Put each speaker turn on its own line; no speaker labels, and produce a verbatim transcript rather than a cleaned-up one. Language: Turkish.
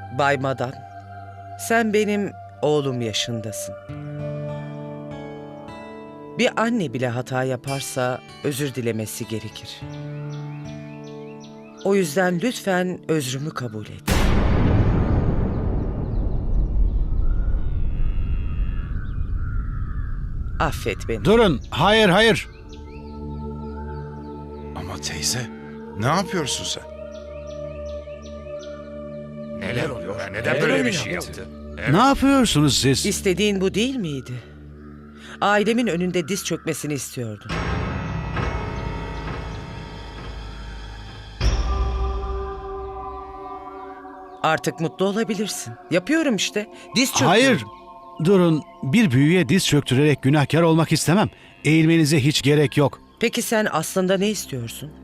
Bay Madan, sen benim oğlum yaşındasın. Bir anne bile hata yaparsa özür dilemesi gerekir. O yüzden lütfen özrümü kabul et. Affet beni.
Durun. Hayır, hayır.
Ama teyze, ne yapıyorsun sen?
Neler oluyor? Neden
Neden
böyle
öyle
bir şey
yaptı?
yaptı?
Ne yapıyorsunuz siz?
İstediğin bu değil miydi? Ailemin önünde diz çökmesini istiyordun. Artık mutlu olabilirsin. Yapıyorum işte. Diz çöküyorum.
Hayır. Durun. Bir büyüye diz çöktürerek günahkar olmak istemem. Eğilmenize hiç gerek yok.
Peki sen aslında ne istiyorsun?